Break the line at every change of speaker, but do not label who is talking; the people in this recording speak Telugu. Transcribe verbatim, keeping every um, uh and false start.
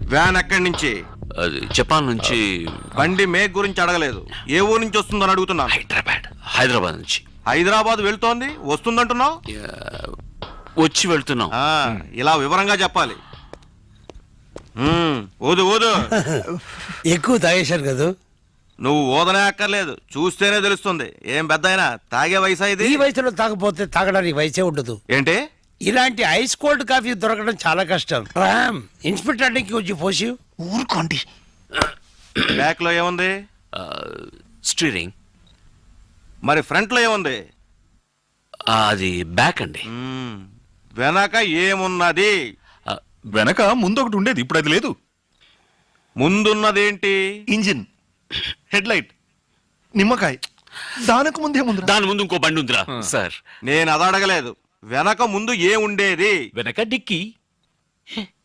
వ్యాన్ ఎక్కడి నుంచి?
అది జపాన్ నుంచి.
బండి మేక్ గురించి అడగలేదు, ఏ ఊరు నుంచి వస్తుందని అడుగుతున్నాను.
హైదరాబాద్ హైదరాబాద్ నుంచి.
హైదరాబాద్ వెళ్తోంది, వస్తుందంటున్నావు?
వచ్చి వెళ్తున్నాం.
ఇలా వివరంగా చెప్పాలి. ఓదు ఓదు.
ఎక్కువ తాగేశారు కదా.
నువ్వు ఓదనే అక్కర్లేదు, చూస్తేనే తెలుస్తుంది. ఏం పెద్ద అయినా తాగే వయసు ఇది.
ఈ వయసులో తాగపోతే తాగడానికి వయసే ఉండదు.
ఏంటి?
ఇలాంటి ఐస్ కోల్డ్ కాఫీ దొరకడం చాలా కష్టం. రామ్, ఇన్స్పెక్టర్ కి వచ్చి పోసి.
ఊరుకోండి.
బ్యాక్ లో ఏముంది?
స్టీరింగ్.
మరి ఫ్రంట్ లో ఏముంది?
అది బ్యాక్ అండి.
వెనక ఏమున్నది?
వెనక ముందు ఒకటి ఉండేది, ఇప్పుడు అది లేదు.
ముందున్నదేంటి?
ఇంజిన్, హెడ్ లైట్, నిమ్మకాయ. దానికి ముందే ముందు
దాని ముందు ఇంకో బండి ఉందిరా సార్.
నేను అది అడగలేదు. వెనక ముందు ఏ ఉండేది?
వెనక డిక్కీ.